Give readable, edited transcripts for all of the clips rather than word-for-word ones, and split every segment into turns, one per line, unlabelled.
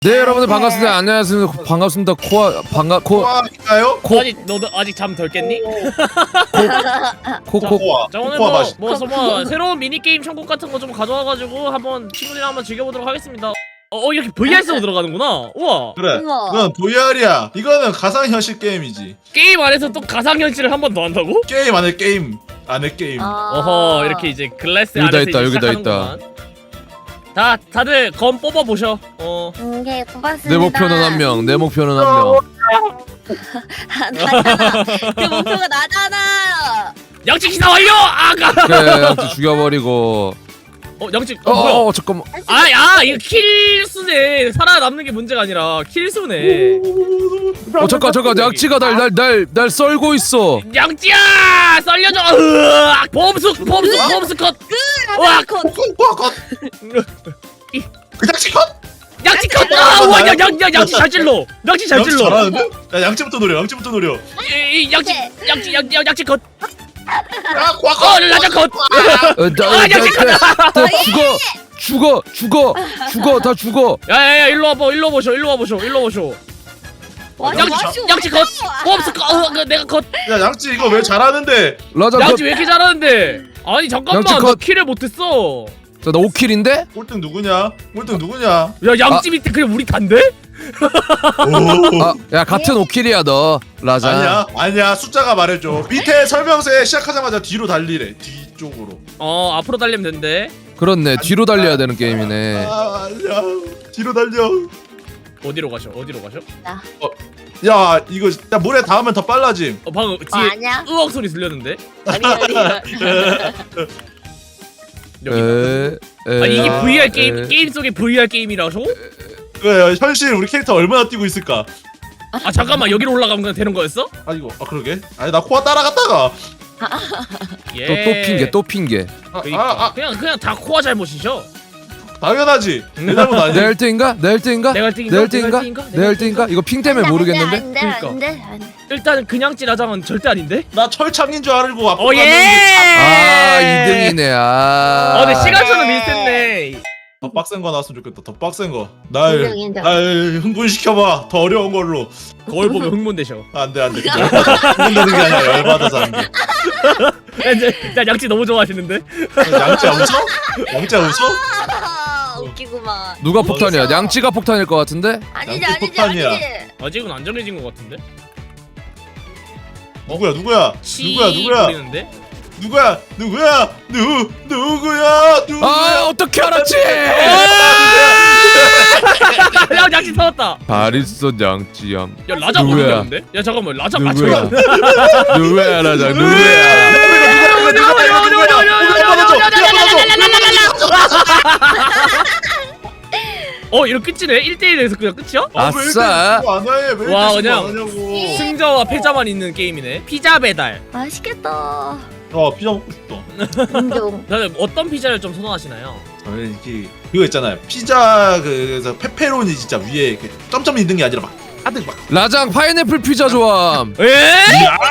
네 여러분들 반갑습니다. 안녕하세요. 반갑습니다.
코아인가요?
아직 너도 아직 잠 덜 깼니?
코코
자 오늘
코코아 맛이.
뭐 새로운 미니 게임 천국 같은 거 좀 가져와가지고 한번 친구들이랑 한번 즐겨보도록 하겠습니다. 이렇게 VR 쓰고 들어가는구나. 우와.
그래.
우와.
이건 VR이야. 이거는 가상현실 게임이지.
게임 안에서 또 가상현실을 한 번 더 한다고?
게임 안에 게임 안에 게임.
어허 이렇게 이제 글래스
여기다
안에서
있다,
이제
여기다
시작하는구만. 자 다들 검 뽑아 보셔.
네, 고맙습니다.
내 목표는 한 명. 내 목표는 한 명.
나잖아. 그 목표가 나잖아.
양치 기사 완료. 아가.
그래 양치 죽여버리고.
양치. 뭐야?
잠깐만.
이거 킬수네. 살아남는 게 문제가 아니라 킬수네.
잠깐 양치가 날 썰고 있어.
양치야 썰려줘. 으악! 범수 컷. 으악!
코아 컷. 그냥 컷.
양치 컷. 우와 양치 잘 찔러. 양치 잘
양치
찔러.
잘하는데? 야 양치부터 노려. 양치부터 노려.
양치 컷.
야 코아 컷.
라자 컷. 양치 컷.
다 죽어 다 죽어.
야야야 일로 와보셔. 양치 컷. 범수 컷. 내가 컷.
야 양치 이거 왜 잘하는데?
라자
양치 왜 이렇게 잘하는데? 아니 잠깐만
양치
나
컷.
킬을 못했어.
나 5킬인데?
꼴등 누구냐?
야 양치 밑에 그냥 우리 단데?
오.
야 같은 5킬이야 너. 라자.
아니야 숫자가 말해줘. 밑에 설명서에 시작하자마자 뒤로 달리래. 뒤쪽으로.
앞으로 달리면 된대.
그렇네. 뒤로 달려야 되는 게임이네.
아니야. 뒤로 달려.
어디로 가셔?
야 이거 야 모래 닿으면 더 빨라짐.
방금 뒤에
아니야?
으억 소리 들렸는데?
아니.
여기. 아니 이게 VR 게임 속의 VR 게임이라서?
그래 현실 우리 캐릭터 얼마나 뛰고 있을까?
잠깐만 여기로 올라가면 그냥 되는 거였어?
그러게. 아니 나 코아 따라갔다가.
예.
또 핑계.
그러니까. 그냥 다 코아 잘못이셔.
당연하지. 내 잘못
내
아니야.
1등인가? 내 1등인가?
내가
내 1등인가? 이거 핑 때문에 모르겠는데?
안돼.
일단 그냥 찌라장은 절대 아닌데?
나 철창인 줄 알고 앞으로
오 예!
갔는데
2등이네.
근데 시간차는 비슷했네.
더 빡센 거 나왔으면 좋겠다. 더 빡센 거.
인정.
날 흥분시켜봐. 더 어려운 걸로.
거울 보면 흥분되셔.
안돼. 흥분되는 게 아니라 열받아서 안 돼.
자 양치 너무 좋아하시는데?
양치야 웃어? 양치야 웃어?
웃기구만.
누가 폭탄이야? 양치가 폭탄일 것 같은데?
아니지
양치 폭탄이야.
아직은 안 정해진 것 같은데?
누구야?
거리는데?
누구야?
아 어떻게 알았지?
야 양치 터졌다.
발 있어 양치함.
야 라장
누구야?
어디였는데? 야 잠깐만 라장
누구야?
맞춰.
누구야 라자 누구야?
이렇게 끝이네? 1대1에서 그냥 끝이야?
아싸.
와, 그냥
하냐고.
승자와 패자만 있는 게임이네. 피자 배달.
맛있겠다.
피자 먹고 싶다.
인정.
다들 어떤 피자를 좀 선호하시나요?
저는 이게 그거 있잖아요. 피자 그래서 페페로니 진짜 위에 이렇게 점점 있는 게 아니라 막 가득 막.
라장 파인애플 피자 좋아함.
에?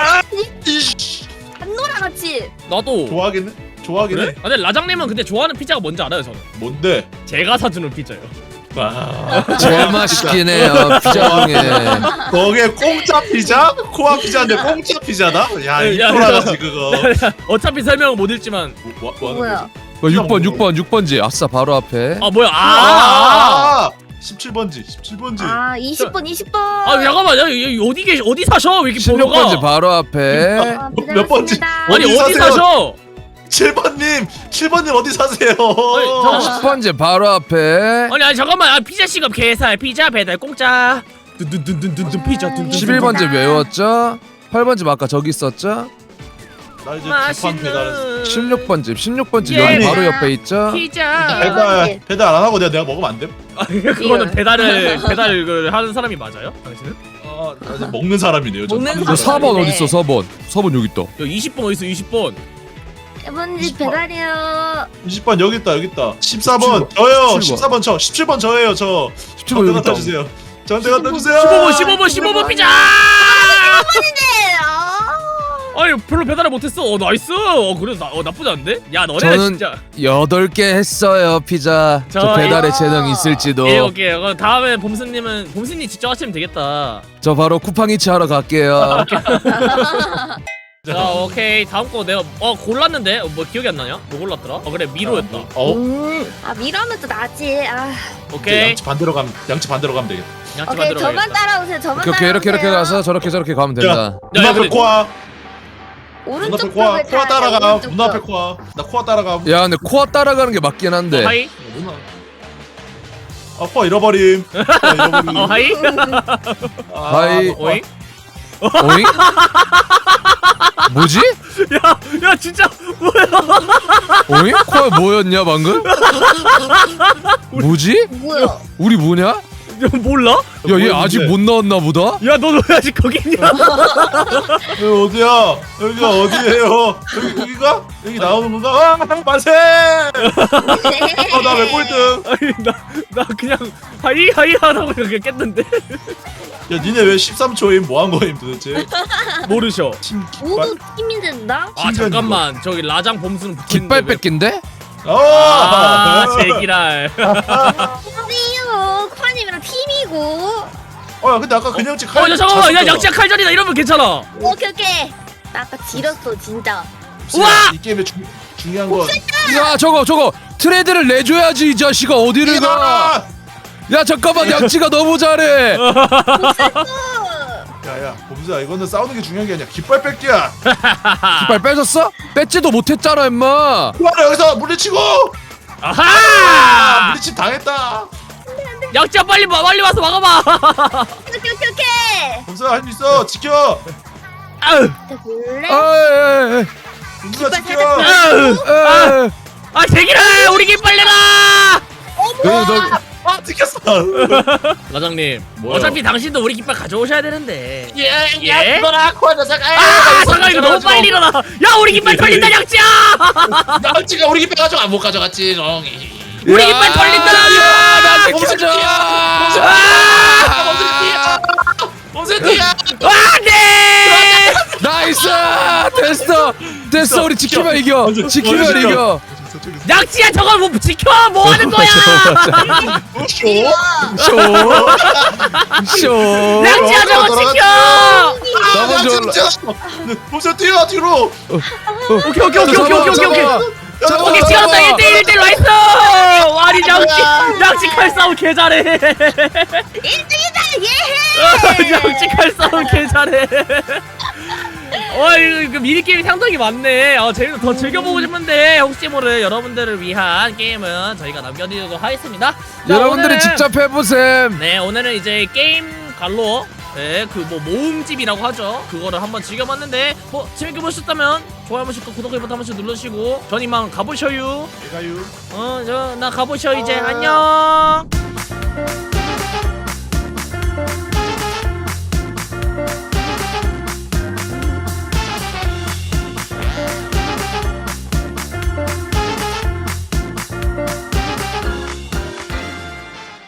한노랑 같이.
나도.
좋아하겠네.
그래? 근데 라장님은 근데 좋아하는 피자가 뭔지 알아요 저는?
뭔데?
제가 사주는 피자요.
제일 맛있긴 해요 피자 중에.
거기에 공짜 피자? 코아 피자인데 공짜 피자다? 야
야,
이거라지 그거.
어차피 설명은 못 읽지만.
뭐 하는
뭐야?
거지?
6번지 아싸 바로 앞에.
뭐야?
17번지.
20번.
잠깐만 야 어디 사셔? 왜 이렇게 번호가?
16번지 바로 앞에.
몇 번지?
아니
어디
어디
사세요?
사셔?
7번님 어디 사세요?
10번지 바로 앞에.
아니 잠깐만 피자 시급 개살 피자 배달 공짜. 둔둔둔둔둔 피자 둔둔.
11번지 외웠죠? 8번지 아까 저기 있었죠?
나 이제 재판 배달했어.
16번지
예.
여기 바로 옆에 있죠?
피자.
배달 안 하고 내가 먹으면 안 돼?
그거는 배달을 하는 사람이 맞아요? 당신은?
나 이제 먹는 사람이네요. 저.
먹는
너
사람.
4번 어딨어 4번. 4번 여기 있다.
야 20번 어딨어 20번.
1번지 배달이요.
20번 여기 있다. 14번 저요. 14번 저. 17번 저예요. 저.
17번
저한테
여기
갖다
있다.
주세요. 저한테 갖다 주세요.
15번 피자. 아니 별로 배달을 못했어. 나이스. 그래 나쁘지 않은데? 야 너네
저는
진짜
8개 했어요 피자. 저 배달의 재능 있을지도.
오케이. 그럼 다음에 봄스님 직접 하시면 되겠다.
저 바로 쿠팡이츠 하러 갈게요.
자 오케이 다음 거 내가 골랐는데 뭐 기억이 안 나냐? 뭐 골랐더라? 그래 미로였다.
아 미라면 또 나지. 아.
오케이.
양치 반대로 가면 되겠다.
양치
오케이
만들어
저만
가야겠다.
따라오세요. 저만
오케이 이렇게 가서 저렇게 가면 된다.
야,
눈앞에
근데-
코아.
오른쪽
눈앞에 코아.
벽을
코아
타야 돼,
따라가.
오른쪽
눈앞에
벽.
코아. 나 코아 따라가.
야 근데 코아 따라가는 게 맞긴 한데.
하이.
누나. 코아 잃어버림. 코아 잃어버림.
하이.
하이.
오잉?
어잉? 뭐지?
야 진짜
어잉? 코아 뭐였냐 방금? 뭐지?
뭐야?
우리 뭐냐?
몰라?
야 얘 아직 못 나왔나 보다?
야 너 왜 아직 거기 있냐?
여기 어디야? 여기가 어디예요? 여기가? 여기 나오는 건가? 만세! 나 왜 꼴등?
아니 나 그냥 하이 하라고 그냥 깼는데
야 니네 왜 13초임? 뭐 한 거임 도대체?
모르셔.
팀
모두 팀이 된다?
아 잠깐만 저기 라장 봄수는 붙어있는데
깃발
왜-
뺏긴데?
아 제기랄.
아니요. 쿠파님이랑 팀이고.
야 근데 아까 그냥치
야 잠깐만 야 양치야 칼전이다 이러면 괜찮아.
오케이. 나 아까 지렸어 진짜.
우와!
이 게임의 중요한 건
야 저거 트레이드를 내줘야지 이 자식아 어디를 가? 야 잠깐만 양치가 너무 잘해.
야야 범수야 이거는 싸우는 게 중요한 게 아니야 깃발 뺏기야.
깃발 빼줬어? 뺏지도 못했잖아 임마.
쿠아를 여기서 물리치고
아하!
물리침 당했다.
양치야 빨리 와서 막아봐.
오케이.
범수야 할 수 있어 지켜.
아으.
볼래?
에이,
범수야
깃발
지켜.
아으.
에이.
아 제기랄 우리 길 빨리 가.
아 지켰어.
라장님
뭐요?
어차피 당신도 우리 깃발 가져오셔야 되는데.
예? 이거라 쿠아 녀석.
아 잠깐 이거 너무 빨리 일어나. 야 우리 깃발 털린다 양치야.
양치가 우리 깃발 가져가 못 가져갔지.
우리 깃발 털린다.
나 지켜줘.
범수야.
안돼.
나이스. 됐어 우리 지키면 이겨.
완전
지키면
지켜.
이겨.
양치야 저걸 뭐 지켜 뭐 하는 거야?
쇼.
양치야 저거 지켜.
나 먼저 올라.
범수야 뛰어 뒤로.
오케이.
잡아.
오케이 지었다 1대1 나이스. 와리 양치 칼 싸움 개 잘해.
1등이다 예.
양치 칼 싸움 개 잘해. 이거 미니게임이 상당히 많네. 재밌는 더 즐겨보고 싶은데 혹시 모를 여러분들을 위한 게임은 저희가 남겨드리도록 하겠습니다. 자,
여러분들이
오늘은-
직접 해보셈.
네 오늘은 이제 게임 갈로 그 뭐 모음집이라고 하죠. 그거를 한번 즐겨봤는데 뭐 재밌게 보셨다면 좋아요 한 번씩 구독 버튼 한 번씩 눌러주시고 전 이만 가보셔요.
가유.
나 가보셔 이제 안녕.